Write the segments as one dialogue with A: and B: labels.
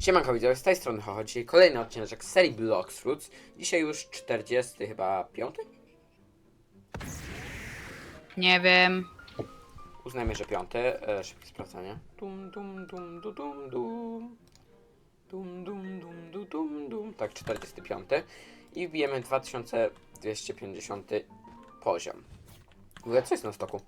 A: Siemanko widzowie, z tej strony Hoho. Dzisiaj kolejny odcinek z serii Blox Fruits. Dzisiaj już 40 chyba 5?
B: Nie wiem.
A: Uznajmy, że 5. Szybkie sprawdzanie. Dum dum dum dum dum dum. Dum dum dum dum dum dum. Tak, 45. I wbijemy 2250 poziom. W ogóle co jest na stoku?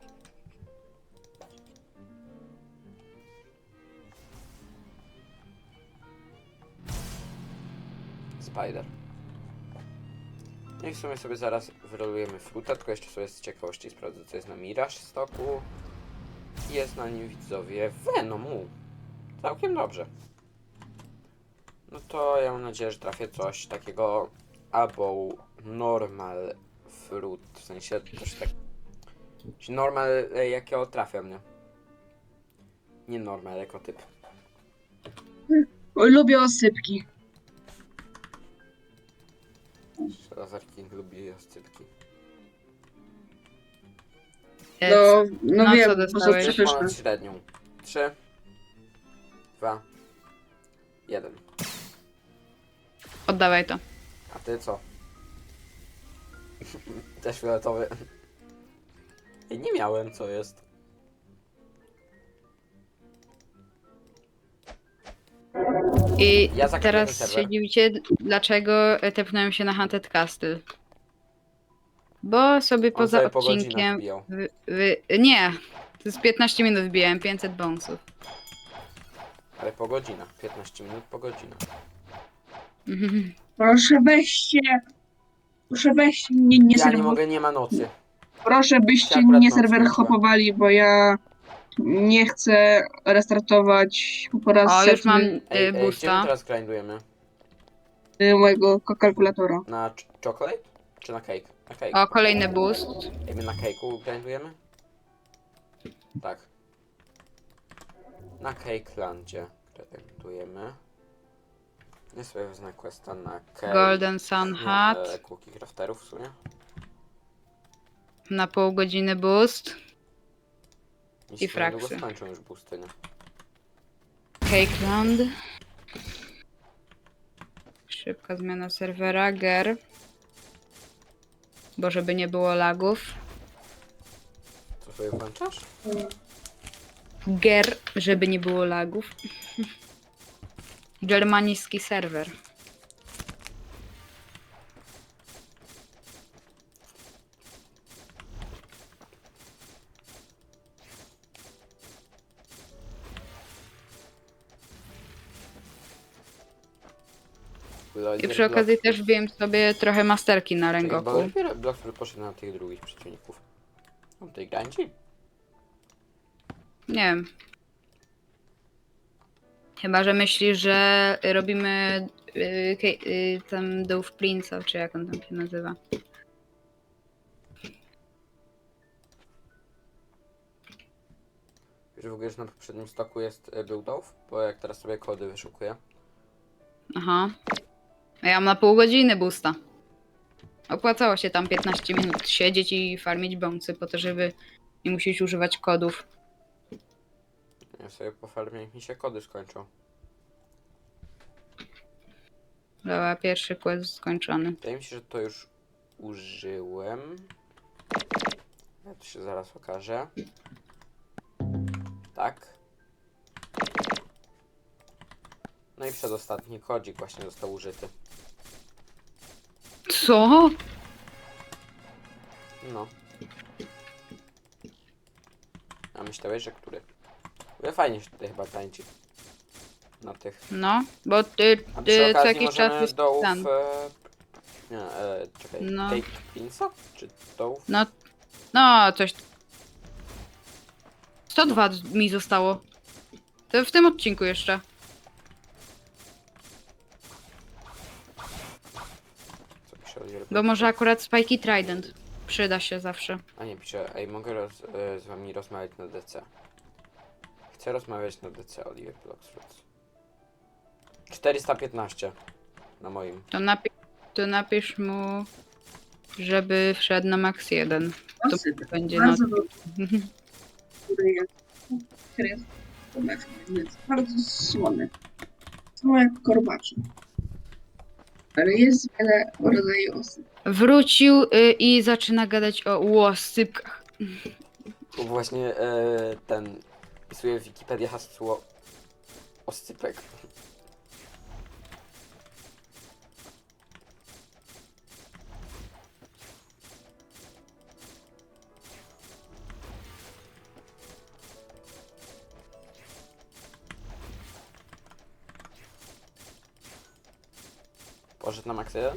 A: Spider. No i w sumie sobie zaraz wyrolujemy fruta, tylko jeszcze sobie z ciekawości sprawdzę, co jest na Mirage stoku. Jest na nim, widzowie, Venomu. Całkiem dobrze. No to ja mam nadzieję, że trafię coś takiego albo normal fruit, w sensie coś tak... Normal jakiego trafiam, nie? Nie normal jako typ.
C: Lubię osypki.
A: Lazar King lubi oscypki.
C: No
B: co
C: wiem, bo są
B: dostałeś?
C: przepyszne.
A: Ponad średnią. 3, 2, 1.
B: Oddawaj to.
A: A ty co? Też fioletowy. Nie miałem, co jest.
B: I
A: Ja zaklepię ten
B: teraz
A: serwer.
B: się dziwicie, dlaczego tepnąłem się na Haunted Castle. Bo sobie
A: On
B: poza
A: sobie po godzinach
B: odcinkiem...
A: wbijał.
B: Nie! To z 15 minut wbiłem 500 bonusów.
A: Ale po godzinach. 15 minut po godzinach.
C: Proszę weźcie mnie nie
A: Ja
C: serwer.
A: nie mogę, nie ma nocy.
C: Proszę byście
A: Akurat
C: nie
A: noc
C: serwer
A: włączyłem.
C: hopowali, bo ja nie chcę restartować po raz
B: O, już mam
C: setny
A: Gdzie my
B: boosta.
A: teraz grindujemy?
C: mojego kalkulatora.
A: Na chocolate? Czy na cake? Na cake.
B: O, kolejny boost.
A: Ej, my na cake'u grindujemy? Tak. Na Cakelandzie grindujemy. Nie sobie wezmę questa na cake.
B: Golden Sun Hat.
A: Cookie crafterów w sumie.
B: Na pół godziny boost.
A: Mi się
B: fraksy.
A: niedługo skończą już boosty, nie?
B: Cakeland. Szybka zmiana serwera. Ger. Bo żeby nie było lagów.
A: Co sobie włączasz?
B: Ger, żeby nie było lagów. Germański serwer. I przy okazji też wbiłem sobie trochę masterki na
A: Bo
B: Rengoku.
A: dopiero Blockfruit poszedł na tych drugich przeciwników. On tej grindzi?
B: Nie wiem. Chyba, że myślisz, że robimy tam Dove Prince'a, czy jak on tam się nazywa.
A: Wiesz w ogóle, że na poprzednim stoku jest był Dove? Bo jak teraz sobie kody wyszukuję.
B: Aha. A ja mam na pół godziny boosta. Opłacało się tam 15 minut siedzieć i farmić bący po to, żeby nie musieć używać kodów.
A: Ja sobie po farmie, jak mi się kody skończą.
B: Dobra, pierwszy quest skończony.
A: Wydaje mi się, że to już użyłem. Ja to się zaraz okaże. Tak. No i przedostatni kodzik właśnie został użyty.
B: Co?
A: No. A myślałeś, że który? Ale fajnie się tutaj chyba tańczy. Na tych.
B: No, bo
A: A przy
B: co
A: okazji
B: jakiś czas
A: możemy
B: jest
A: dołów...
B: ten.
A: Nie, czekaj.
B: No.
A: Take Prince'a? Czy dołów?
B: No, coś. 102 mi zostało. To w tym odcinku jeszcze.
A: Co pisze o
B: Bo może akurat Spikey Trident przyda się zawsze.
A: A nie, pisze, ej, mogę z wami rozmawiać na DC. Chcę rozmawiać na DC, Oliver Bloxfruits. 415 na moim.
B: To napisz mu, żeby wszedł na max 1. To
C: Osypek.
B: będzie no.
C: Bardzo dobry. Który jest bardzo słony. są jak korbacze. Ale jest wiele rodzajów osób.
B: Wrócił i zaczyna gadać o łosypkach.
A: Właśnie ten... Wpisuję w Wikipedię hasło... Oscypek. Poszedł na Max 1?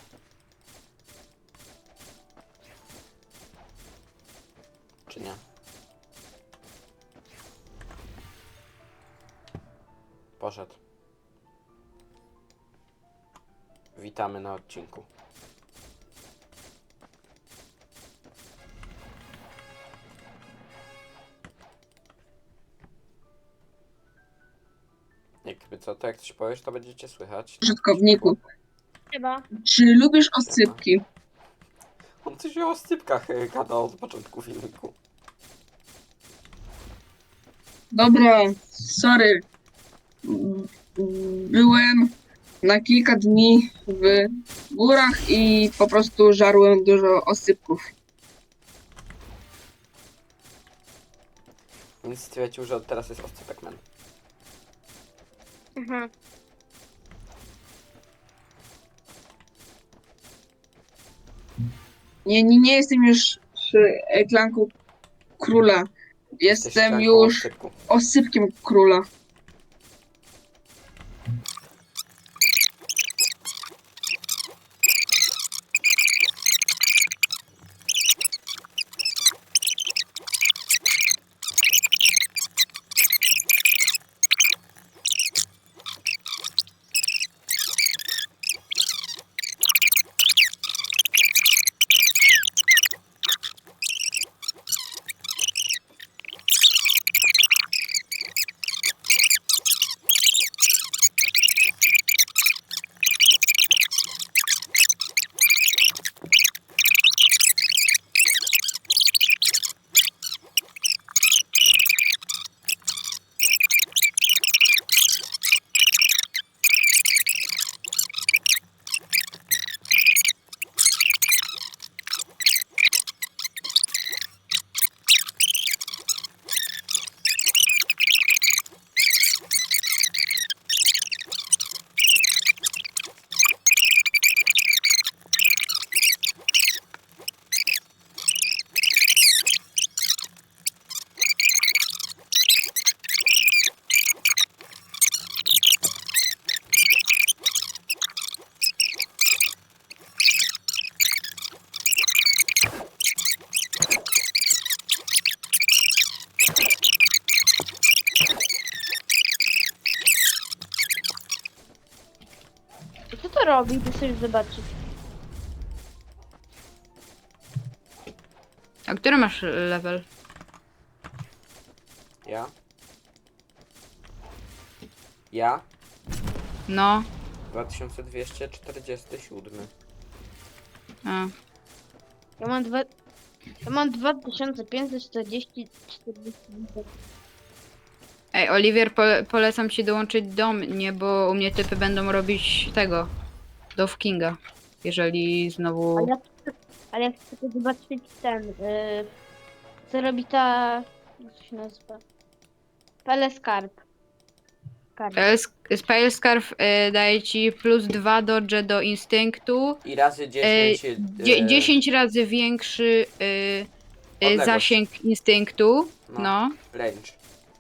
A: Czy nie? Poszedł. Witamy na odcinku. Jakby co, to jak coś powiesz, to będziecie słychać.
C: Użytkowniku,
D: Chyba.
C: czy lubisz oscypki?
A: On coś o oscypkach gadał od początku filmiku.
C: Dobra, sorry. Byłem na kilka dni w górach i po prostu żarłem dużo oscypków.
A: Więc stwierdził, że od teraz jest oscypek man.
D: Mhm.
C: Nie jestem już klanką króla.
A: Jesteś
C: Jestem
A: klanką
C: już
A: oscypku.
C: oscypkiem króla.
D: Co to robi? Ty sobie zobaczyć.
B: A który masz level?
A: Ja? Ja?
B: No.
A: 2247.
B: A.
D: Ja mam 2540.
B: Ej, Oliwier, polecam ci dołączyć do mnie, bo u mnie typy będą robić tego. Dove Kinga. Jeżeli znowu...
D: Ale ja chcę tylko zobaczyć ten. Co robi ta. Jak to się nazywa? Peleskarp.
B: Spell Scarf daje ci +2 dodge do instynktu.
A: I razy 10...
B: 10 razy większy
A: Odległość.
B: zasięg instynktu.
A: No.
B: No.
A: range.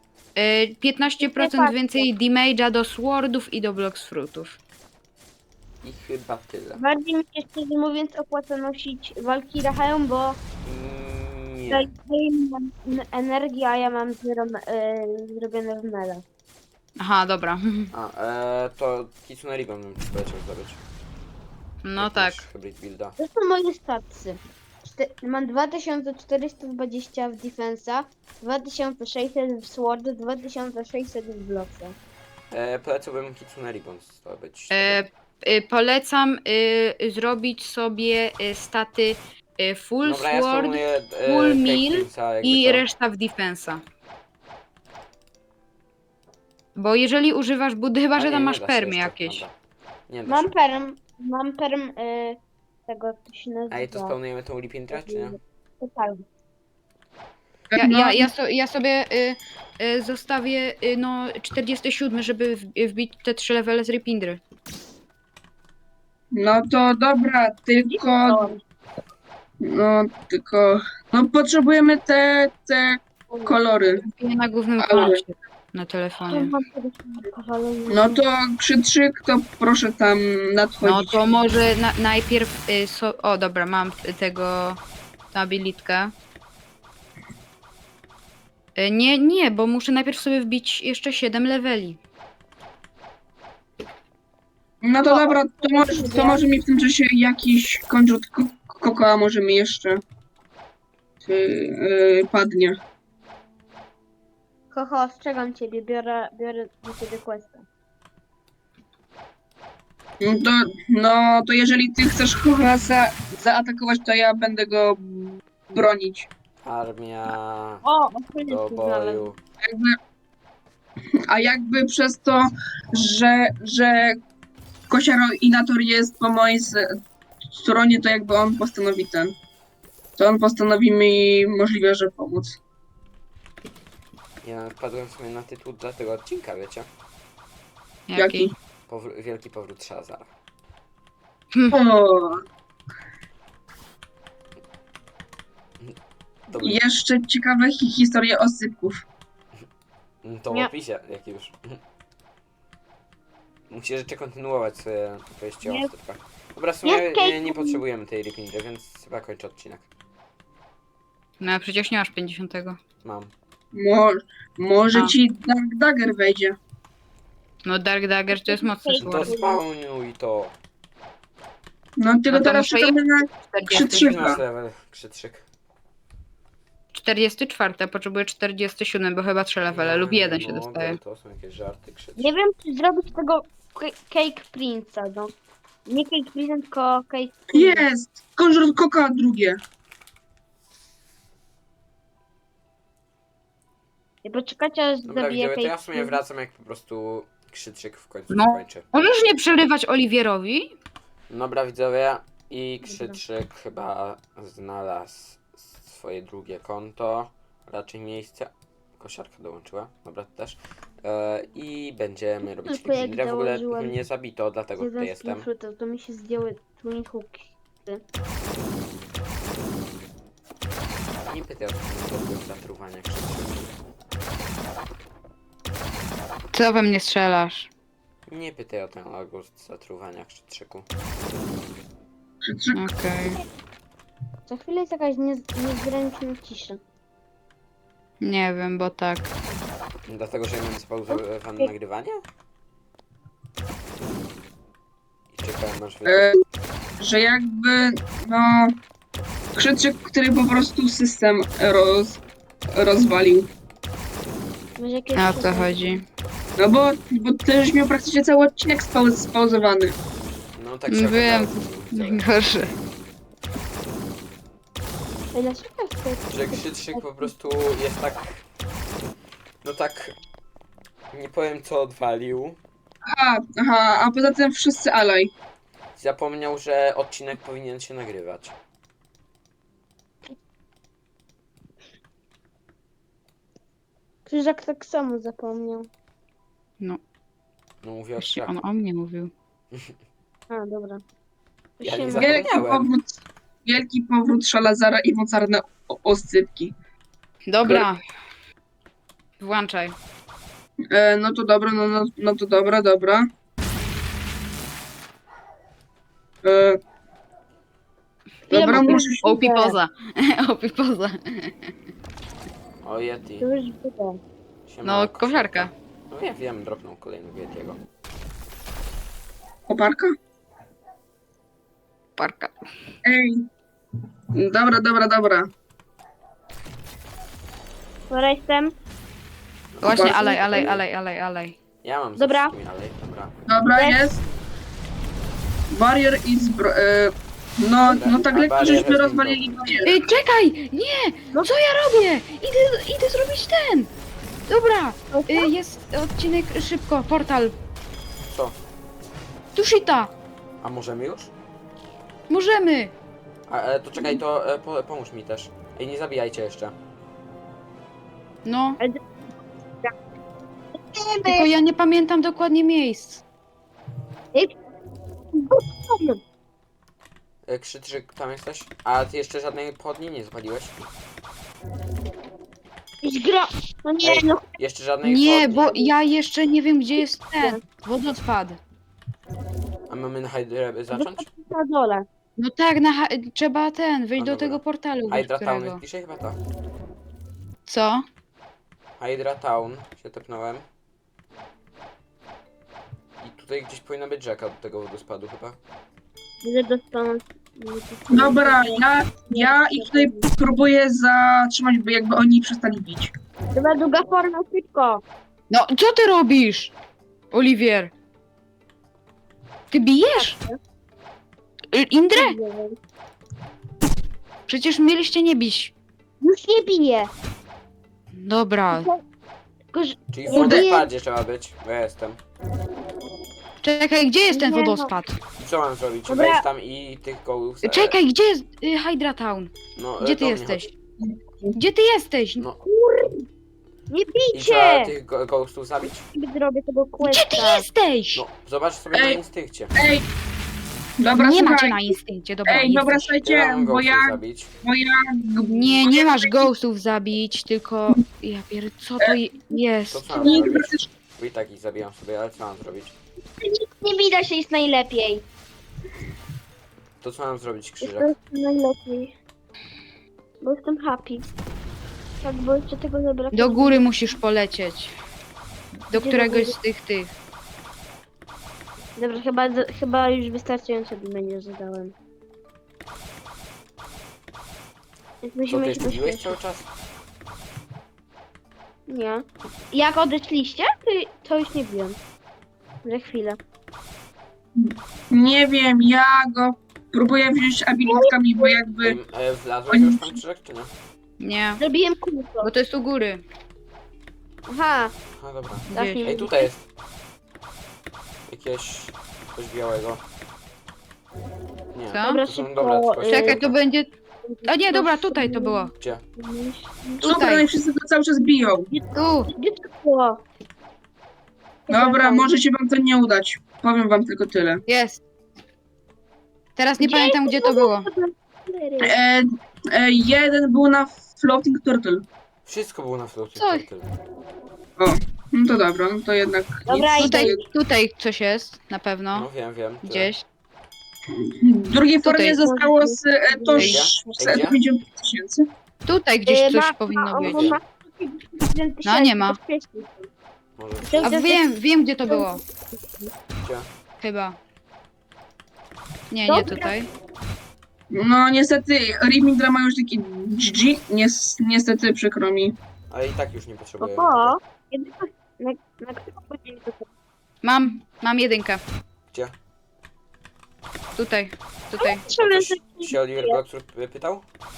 B: 15% więcej damage'a do swordów i do blocks fruitów.
A: I chyba tyle.
D: Bardziej mi się szczerze mówiąc opłaca nosić Valkyria Hełm, bo
A: Nie.
D: daje mi energię, a ja mam zrobione w mele.
B: Aha, dobra.
A: A, to Kitsune Ribbon bym ci poleciał zdobyć.
B: No
A: Jak
B: tak.
A: masz hybrid builda.
D: To są moje statsy. Mam 2420 w defensa, 2600 w sword, 2600 w blocksa.
A: Polecałbym Kitsune Ribbon zdobyć.
B: Polecam zrobić sobie staty full
A: Dobra, ja
B: sword
A: spróbuję
B: full meal
A: Cake Prince'a, jakby
B: i
A: co.
B: reszta w defensa. Bo jeżeli używasz budy, chyba
A: A
B: że
A: nie,
B: tam
A: nie
B: masz
A: da się
B: permy
A: jeszcze,
B: jakieś.
A: dobra. Nie da
D: Mam
A: się.
D: perm, tego, jak to się nazywa.
A: Ej, to spełnujemy tą lipintrę, czy nie?
D: Totalnie.
B: Ja sobie zostawię no 47, żeby wbić te 3 levele z Ripindry.
C: No to dobra, no potrzebujemy te kolory.
B: Wbiję na głównym
C: Ale-
B: koncie na telefonie.
D: Mam kiedyś powalenie.
C: No to krzyczyk, to proszę tam
B: No
C: nadchodzić.
B: to może najpierw... o dobra, mam tego... Tą abilitkę. Nie, bo muszę najpierw sobie wbić jeszcze 7 leveli.
C: No to dobra, to może mi w tym czasie jakiś konrzut kokoła może mi jeszcze padnie.
D: Kocho, ostrzegam ciebie, biorę do ciebie questa.
C: No to jeżeli ty chcesz kogoś zaatakować, to ja będę go bronić.
A: Armia
D: O,
A: do boju.
C: A jakby przez to, że Kosiaroinator jest po mojej stronie, to jakby on postanowi to on postanowi mi możliwe, że pomóc.
A: Ja wpadłem sobie na tytuł dla tego odcinka, wiecie?
C: Jaki?
A: Wielki powrót Shazara.
C: O,
A: To,
C: jeszcze ciekawe historie osypków.
A: to w
D: Nie.
A: opisie, jak już. Musisz jeszcze kontynuować swoje opowieści o
D: Nie.
A: ostypkach. Dobra, w sumie
D: Nie, Kate.
A: nie potrzebujemy tej Ripindry, więc chyba kończę odcinek.
B: No przecież nie masz 50.
A: Mam.
C: Może
B: A.
C: ci Dark Dagger wejdzie.
B: No Dark Dagger to jest mocny
A: To
B: sword.
A: spawnuj to.
C: No tylko
B: No to
C: teraz
B: muszę
C: czekamy na
B: 40.
C: Krzyczyka.
A: Masz level, krzytrzyk.
B: 44, a potrzebuję 47, bo chyba 3 levele lub jeden się
A: mogę,
B: dostaje.
A: To są jakieś żarty, krzytrzyk.
D: Nie wiem, czy zrobić tego Cake Prince'a, no. Nie Cake Prince, tylko Cake Prince.
C: Jest! Konżur koka drugie.
D: I poczekajcie, aż
A: Dobra,
D: zabiję
A: widzowie, to ja
D: Cake
A: w sumie
D: Prince.
A: wracam, jak po prostu krzytrzyk w końcu
B: No.
A: skończy.
B: Możesz nie przerywać Oliwierowi?
A: Dobra, widzowie, i krzytrzyk chyba znalazł swoje drugie konto, raczej miejsce. Kosiarka dołączyła, dobra, to też. I będziemy robić
D: Tylko jak
A: Lipindrę. W ogóle
D: założyłem
A: mnie zabito, dlatego tutaj jestem.
D: To mi się zdjęły twin hooki.
A: Nie pytaj o to zatruwania krzytrzyka.
B: Co we mnie strzelasz?
A: Nie pytaj o ten algorytm zatruwania krzytrzyku.
C: Krzyczyk.
B: Okej.
D: Za chwilę jest jakaś niezręczna cisza.
B: Nie wiem, bo tak.
A: Dlatego, że ja mam spauzowane nagrywanie? I czekałem aż wy...
C: Że jakby, no... Krzyczyk, który po prostu system rozwalił.
D: Może jakieś
B: A o co chodzi?
C: No bo ty już miał praktycznie cały odcinek spauzowany.
A: No tak się
B: Wiem.
A: okazało, widzowie.
B: Najgorsze.
D: Ej, dlaczego jest
A: Że krzytrzyk po prostu jest tak... No tak... Nie powiem co odwalił.
C: Aha, a poza tym wszyscy alaj.
A: Zapomniał, że odcinek powinien się nagrywać.
D: Krzyżak tak samo zapomniał.
B: No,
A: No mówię o
B: właśnie
A: krzaku.
B: on o mnie mówił.
D: A, dobra.
A: Ja nie
D: Się-
A: zapomniałem.
C: Wielki powrót Szalazara i mocarne oscypki.
B: Dobra. Włączaj.
C: No to dobra, no to dobra. Dobra,
D: Ile
C: muszę...
B: Opi poza. Opi poza.
A: O Yeti.
D: To już było.
A: Siema,
B: No, kosiarka.
A: No ja wiem, dropnął kolejnego Yetiego.
C: Koparka?
B: Parka.
C: Ej. Dobra.
D: Dobra, jestem.
B: Właśnie,
C: Bardzo
B: alej.
A: Ja mam
D: Dobra.
A: ze wszystkimi, ale dobra.
C: Dobra, jest. Barrier i no tak
A: A
C: lekko
A: barrier
C: żeśmy
A: has been
C: rozwalili barierę.
B: Czekaj! Nie! No co ja robię? Idę zrobić ten! Dobra, jest odcinek szybko, portal.
A: Co?
B: Tushita,
A: A możemy już?
B: możemy.
A: To czekaj, to pomóż mi też. Ej, nie zabijajcie jeszcze.
B: No. Tylko ja nie pamiętam dokładnie miejsc.
A: Krzyczyk, tam jesteś? A ty jeszcze żadnej pochodni nie zapaliłeś?
D: No nie,
A: Ej,
D: no
A: jeszcze żadnej
B: Nie,
A: pochodni?
B: bo ja jeszcze nie wiem, gdzie jest ten wodospad.
A: A mamy na Hydrę zacząć?
D: na dole.
B: No tak, trzeba wyjść
A: A,
B: do
A: dobra.
B: tego portalu,
A: Hydra Town
B: którego.
A: jest bliżej chyba to.
B: Co?
A: Hydra Town się tepnąłem. I tutaj gdzieś powinna być rzeka do tego wodospadu chyba.
D: Że dostaną...
C: Dobra, ja ich tutaj próbuję zatrzymać, by jakby oni przestali bić.
D: Chyba długa forma, szybko.
B: No, co ty robisz, Oliwier? Ty bijesz? Indrę? Przecież mieliście nie bić.
D: Już nie bije.
B: Dobra,
D: Tylko, że...
A: Czyli w
D: Nie,
A: wodospadzie trzeba być, bo ja jestem.
B: czekaj, gdzie jest ten
D: Nie, no.
B: wodospad?
A: I co mam zrobić?
D: Dobra.
A: Wejść tam i tych gołów...
B: Czekaj, gdzie jest Hydra Town?
A: No,
B: Gdzie ty
A: do mnie
B: jesteś?
A: chodź.
B: Gdzie ty jesteś?
A: No
D: Nie
A: i trzeba
D: bijcie!
A: tych ghostów zabić?
D: Zrobię tego
B: Gdzie ty
D: questa.
B: jesteś?
A: No, zobacz sobie na
C: Ej.
A: instynkcie.
C: Ej! Dobra,
B: Nie macie
C: słuchaj.
B: na instynkcie, dobra.
C: Ej, dobra,
B: jesteś.
C: słuchajcie,
A: Ja mam
C: bo
A: ghostów
C: ja...
A: zabić.
B: Nie, nie masz ghostów zabić, tylko... Ja pier... co to
A: To
B: jest?
A: co mam zrobić? Bo i tak ich zabijam sobie, ale co mam zrobić?
D: Nie widać się jest najlepiej.
A: To co mam zrobić,
D: Jest
A: Krzyżak?
D: najlepiej. Bo jestem happy. Tak, bo jeszcze tego zabrakło.
B: Do góry musisz polecieć. Do
D: Gdzie
B: któregoś
D: do
B: z tych.
D: Dobra, chyba już wystarczająco będzie zadałem. Więc
A: Co,
D: musimy
A: ty
D: iść
A: jeszcze
D: do
A: biłeś
D: świata.
A: cały czas?
D: Nie. Jak odeszliście, to już nie biłem. Za chwilę.
C: Nie wiem, ja go próbuję wziąć abilitkami, bo jakby...
A: Wlazłeś już tam, Krzyżak, czy nie?
B: Nie,
D: Zrobiłem kółko.
B: bo to jest u góry.
D: Aha.
A: A dobra.
D: Tak,
B: Gdzieś.
D: nie
A: Ej, tutaj jest. Jakieś... coś białego. Nie,
B: Co?
D: Dobra,
A: to są
D: szybko,
A: dobre, tylko
B: Czekaj,
A: się-
B: to będzie... A nie, dobra, tutaj to było.
A: Gdzie?
C: Dobra, no i wszyscy go cały czas biją.
B: Tu.
D: Gdzie to było?
C: Dobra, może się wam to nie udać. Powiem wam tylko tyle.
B: Jest. Teraz nie
D: Gdzie
B: pamiętam, gdzie to było.
C: Jeden był na Floating Turtle.
A: Wszystko było na floating
B: Co?
A: turtle.
C: No to dobra, no to jednak...
D: Dobra,
C: nic.
B: Tutaj, tutaj coś jest, na pewno.
A: No wiem, tyle.
B: Gdzieś.
C: W drugiej formie
B: Tutaj.
C: zostało z to
A: Gdzie? Gdzie?
C: 150 000.
B: Tutaj gdzieś coś
D: ma-
B: powinno być.
A: Gdzie?
B: No, nie ma.
A: Może...
B: A wiem gdzie to było.
A: Gdzie?
B: Chyba. Nie,
D: Dobra.
B: nie tutaj.
C: No niestety Rimindra ma już taki GG. Niestety przykro mi.
A: Ale i tak już nie potrzebuję.
D: Oho. Na którą godzinę to
B: Mam jedynkę.
A: Gdzie?
B: Tutaj.
A: Ktoś się Oliver Bloxur pytał?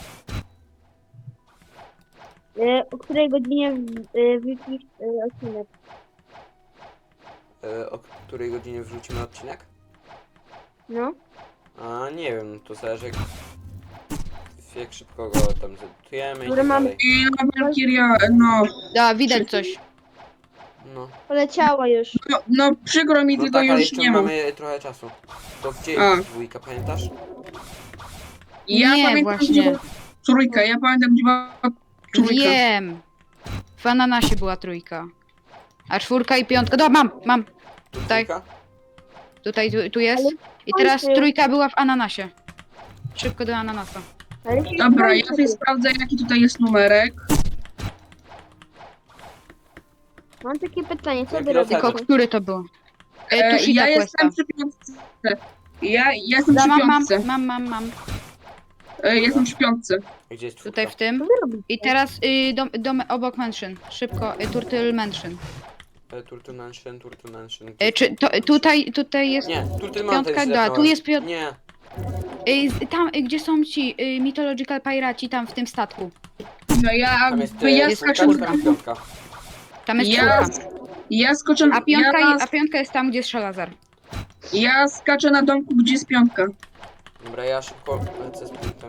D: O której godzinie wrzucisz odcinek?
A: O której godzinie wrzucimy odcinek?
D: No.
A: A nie wiem, to zależy jak szybko go tam zedytujemy i
D: Dobra,
A: tak
D: mam-
A: dalej.
C: I no Valkyria, no,
B: Da, widać coś.
A: No,
D: Poleciała już.
C: no przykro mi,
A: no
C: tylko
A: tak, ale
C: już
A: jeszcze
C: nie mam.
A: mamy trochę czasu. To gdzie
C: A.
A: jest dwójka, pamiętasz?
C: Ja
B: Nie,
C: pamiętam,
B: właśnie.
C: gdzie była trójka, ja pamiętam, gdzie była trójka.
B: Wiem. W ananasie była trójka. A czwórka i piątka. Dobra, mam.
A: Tu
B: Tutaj.
A: dwójka?
B: Tutaj, tu jest. I teraz trójka była w ananasie. Szybko do ananasa.
D: Ale się
C: Dobra, ja
D: kończy.
C: tutaj sprawdzę, jaki tutaj jest numerek.
D: Mam takie pytanie, co
A: Jaki
D: wy robicie?
B: Tylko który to był? Tu
C: Ja
B: questa.
C: jestem przy piątce. Ja jestem przy piątce.
B: Mam.
C: Jestem przy piątce.
A: Gdzie jest
B: Tutaj
A: czwórka?
B: w tym.
D: Co wy robicie?
B: I teraz dom obok mansion. Szybko, Turtle Mansion.
A: Turtle Mansion.
B: Tutaj jest
A: Nie, Turtle Mountain
B: piątka,
A: źle
B: da, tu
A: dałem.
B: jest piątka.
A: Nie,
B: Tam, gdzie są ci Mythological Piraci, tam w tym statku.
C: No ja,
A: tam jest,
C: ja
A: jest
C: skaczę
A: czwórka i piątka.
B: Tam jest
C: Ja,
B: czwórka.
C: ja skoczę,
B: A piątka jest tam, gdzie jest Szalazar.
C: ja skaczę na domku, gdzie jest piątka.
A: Dobra, ja szybko lecę z punktem.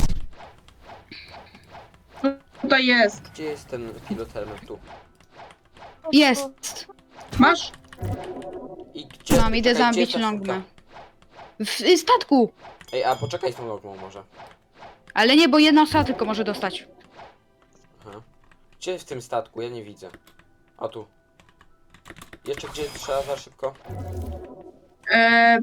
C: Tutaj jest.
A: Gdzie jest ten pilot helmet? Tu.
B: Jest!
C: Masz?
A: I gdzie?
B: Mam, idę
A: czekaj, gdzie
B: zabić
A: jest ta
B: Longmę.
A: sztuka?
B: W statku!
A: Ej, a poczekaj z tą logmą może.
B: Ale nie, bo jedna osoba tylko może dostać.
A: Aha. Gdzie w tym statku? Ja nie widzę. O tu. Jeszcze gdzie trzeba za szybko?
C: E,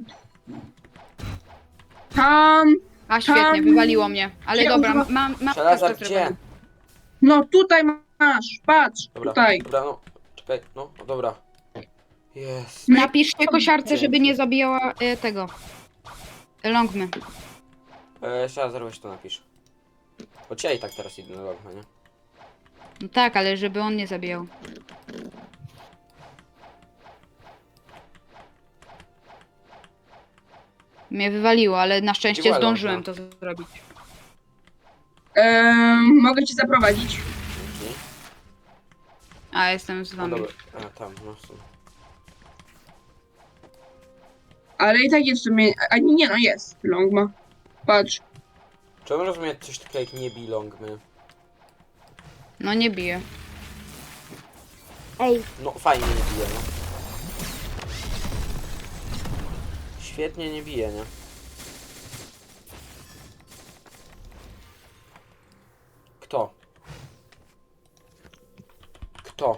C: tam.
B: A świetnie,
C: Tam-
B: wywaliło mnie. Ale
C: Ja
B: dobra,
C: używa-
B: mam
A: Żelazar,
B: to
A: gdzie?
B: zrobione.
C: No tutaj masz. Patrz.
A: Dobra,
C: Tutaj.
A: dobra, no. Czekaj, no, dobra. Jest.
B: Napiszcie kosiarce, żeby nie zabijała tego. Longmy.
A: Żelazar, weź to napisz. Bo ja i tak teraz idę na logmę, nie?
B: No tak, ale żeby on nie zabijał. Mnie wywaliło, ale na szczęście
A: była
B: zdążyłem
A: Longma?
B: to zrobić.
C: Mogę ci zaprowadzić.
A: Dzięki.
B: A, jestem z
A: No
B: wami.
A: dobra, a tam, no w sumie.
C: Ale i tak jest w sumie. A nie, no jest. Longma. Patrz.
A: Czy on rozumie coś takiego jak nie bij longmy?
B: No nie bije.
D: Ej,
A: No fajnie nie bije, no. Świetnie nie bije, nie? Kto? Kto?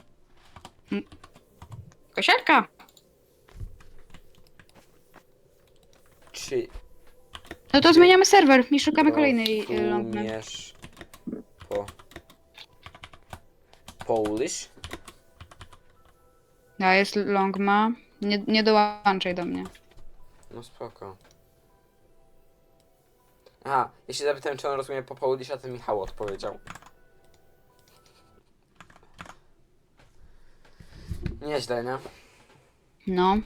B: Kosiarka!
A: Czy
B: No to zmieniamy serwer i szukamy kolejnej Longmy.
A: rozumiesz po Polish?
B: A, jest Longma. Nie dołączaj do mnie.
A: No spoko. Aha, ja się zapytałem, czy on rozumie po Polish, a ten Michał odpowiedział. Nieźle, nie?
B: No.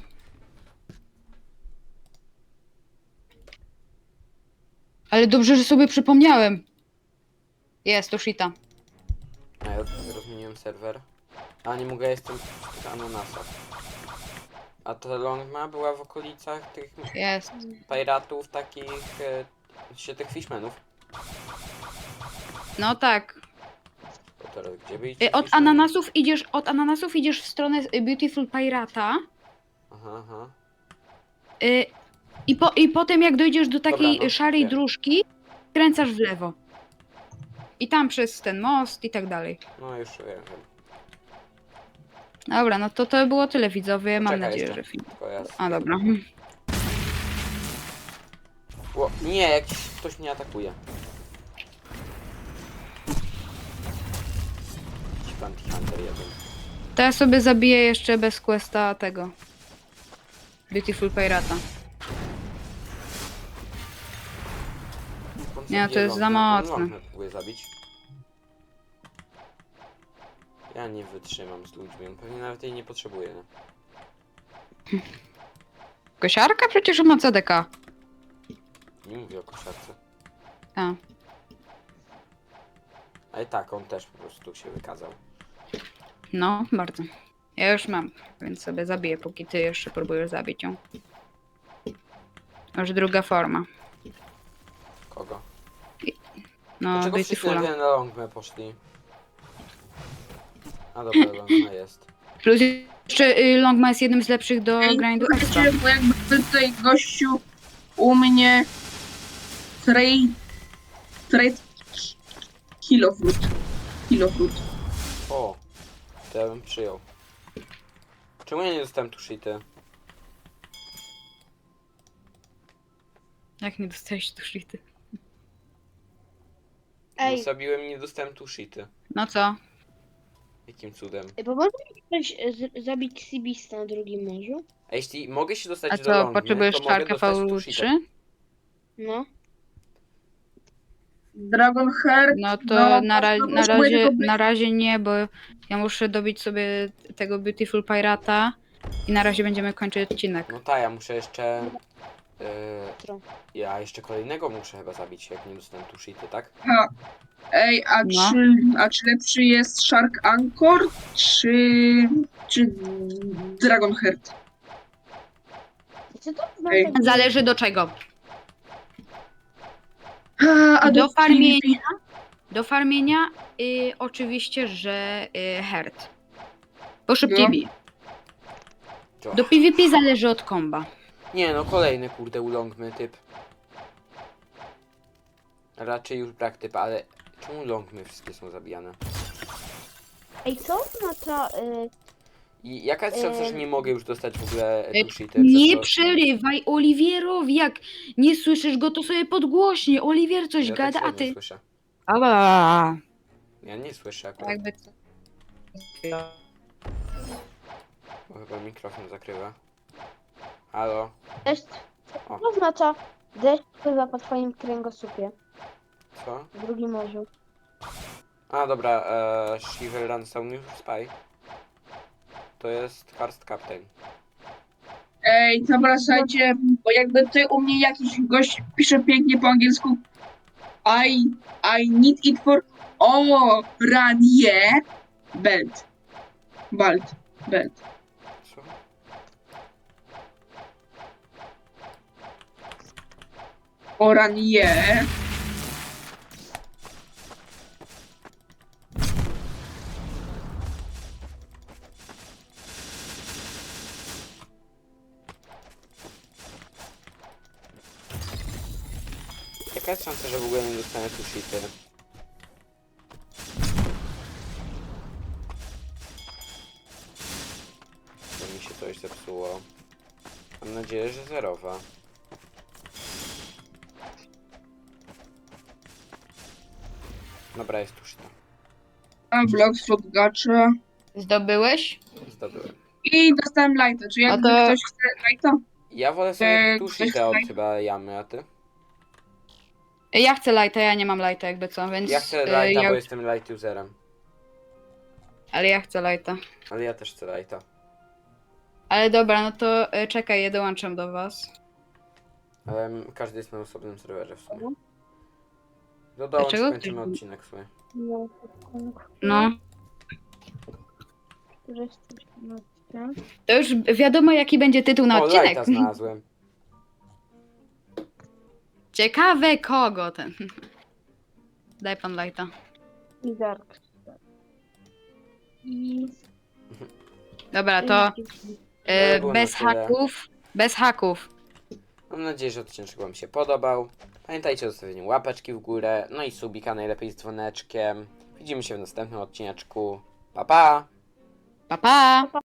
B: Ale dobrze, że sobie przypomniałem. Jest, to shita.
A: A ja rozmieniłem serwer. A nie mogę, jestem w tych ananasach. A ta Longma była w okolicach tych
B: Jest.
A: piratów, takich... tych fishmanów.
B: No tak.
A: To teraz gdzie by iść?
B: Od ananasów idziesz w stronę Beautiful Pirata.
A: Aha, aha.
B: I potem jak dojdziesz do takiej
A: Dobra, no,
B: szarej
A: wiem.
B: dróżki, kręcasz w lewo. I tam przez ten most i tak dalej.
A: No już wiem.
B: Dobra, no to było tyle widzowie. Mam
A: Czekaj
B: nadzieję,
A: jeszcze.
B: że film.
A: Tylko ja...
B: A dobra.
A: O, nie, jakiś ktoś mnie atakuje. Jakiś bounty hunter jeden.
B: To ja sobie zabiję jeszcze bez questa tego. Beautiful Pirata.
A: On
B: Nie,
A: zabije
B: to jest za
A: Longmę. On
B: mocne.
A: Longmę próbuje zabić. Ja nie wytrzymam z ludźmi, on pewnie nawet jej nie potrzebuje. Nie,
B: Kosiarka przecież ma CDK.
A: nie mówię o kosiarce.
B: A.
A: Ale tak, on też po prostu się wykazał.
B: No, bardzo. Ja już mam, więc sobie zabiję, póki ty jeszcze próbujesz zabić ją. Już druga forma.
A: Kogo?
B: No,
A: Dlaczego wszyscy
B: Beautifula.
A: na Longmę poszli? A dobra, Longma jest.
B: Plus jeszcze Longma jest jednym z lepszych do grindu extra.
C: Bo jakby tutaj gościu u mnie trade kilofrut.
A: O, to ja bym przyjął. Czemu ja nie dostałem tu shity?
B: Jak nie dostałeś tu shity?
D: ej,
A: Zabiłem i nie dostałem tu shity.
B: No co?
A: Jakim cudem?
D: pomoże mi ktoś zabić Sibista na drugim morzu?
A: A jeśli mogę się dostać
B: A
A: do
B: co,
A: Longmy,
B: potrzebujesz
A: to mogę
B: czarkę
A: dostać tu
B: V3?
A: shity.
D: No.
C: Dragonheart.
B: No to
C: No, potrzebuję tylko
B: na razie nie, bo ja muszę dobić sobie tego Beautiful Pirata i na razie będziemy kończyć odcinek.
A: No tak, ja muszę jeszcze
D: Jutro.
A: Ja jeszcze kolejnego muszę chyba zabić, jak nie dostanę tu shity, tak?
C: Ha. Ej,
B: No.
C: czy lepszy jest Shark Anchor, czy Dragonheart?
D: Co to
C: Ej.
D: znaczy?
B: Zależy do czego.
C: A
B: Do
C: do
B: farmienia,
C: PvP?
B: do farmienia oczywiście, że herd. Bo szybciej
C: No.
B: bije.
A: To.
B: Do PvP zależy od komba.
A: Nie no, kolejny kurde ulongmy typ. Raczej już brak typa, ale czemu ulongmy wszystkie są zabijane?
D: Ej, co oznacza...
A: I jaka jest szansa, że nie mogę już dostać w ogóle tu shity?
B: Nie
A: Przez to-
B: przerywaj Oliwierowi, jak nie słyszysz go, to sobie podgłośnie. Oliwier coś
A: ja
B: gada,
A: tak
B: a
A: średnio
B: ty...
A: słyszę.
B: Ała.
A: Ja nie słyszę akurat,
B: Jakby co.
A: bo chyba mikrofon zakrywa. Halo?
D: Deszcz...
A: O.
D: Co oznacza deszcz pływa po twoim kręgosłupie
A: Co?
D: w drugim morzu?
A: A dobra, Shiver Run Sound New Spy. To jest Karst Captain.
C: Ej, dobra, słuchajcie, bo jakby tutaj u mnie jakiś gość pisze pięknie po angielsku I need it for... O, ranie belt. Belt.
A: Co?
C: O, ranie.
A: Jaka jest szansa, że w ogóle nie dostanę tu shity? Bo mi się coś zepsuło. Mam nadzieję, że zerowa. Dobra, jest tu shita.
C: A, blok, slot, gacha.
B: Zdobyłeś?
A: Zdobyłem.
C: I dostałem lighta. Czy jakby
B: No to-
C: ktoś chce lighta?
A: Ja wolę sobie tu
C: ktoś
A: shita od
C: chce-
A: chyba jamy, a ty?
B: Ja chcę lighta, ja nie mam lighta jakby co, więc...
A: Ja chcę
B: y,
A: lighta,
B: ja-
A: bo jestem light userem.
B: Ale ja chcę lighta.
A: Ale ja też chcę lighta.
B: Ale dobra, no to czekaj, ja dołączam do was.
A: Ale każdy jest na osobnym serwerze w sumie. No dołącz,
B: Dlaczego
A: kończymy
B: ktoś-
A: odcinek w sumie.
D: No,
B: No.
D: Który jest coś na odcinek?
B: To już wiadomo jaki będzie tytuł na
A: O,
B: odcinek.
A: lighta znalazłem.
B: Ciekawe kogo ten. Daj pan lighta.
D: I Dark. I...
B: Dobra, to
A: No, było
B: bez
A: na tyle.
B: haków. Bez haków.
A: Mam nadzieję, że odcinek wam się podobał. Pamiętajcie o zostawieniu łapeczki w górę, no i subika najlepiej z dzwoneczkiem. Widzimy się w następnym odcineczku. Pa pa!
B: Pa pa!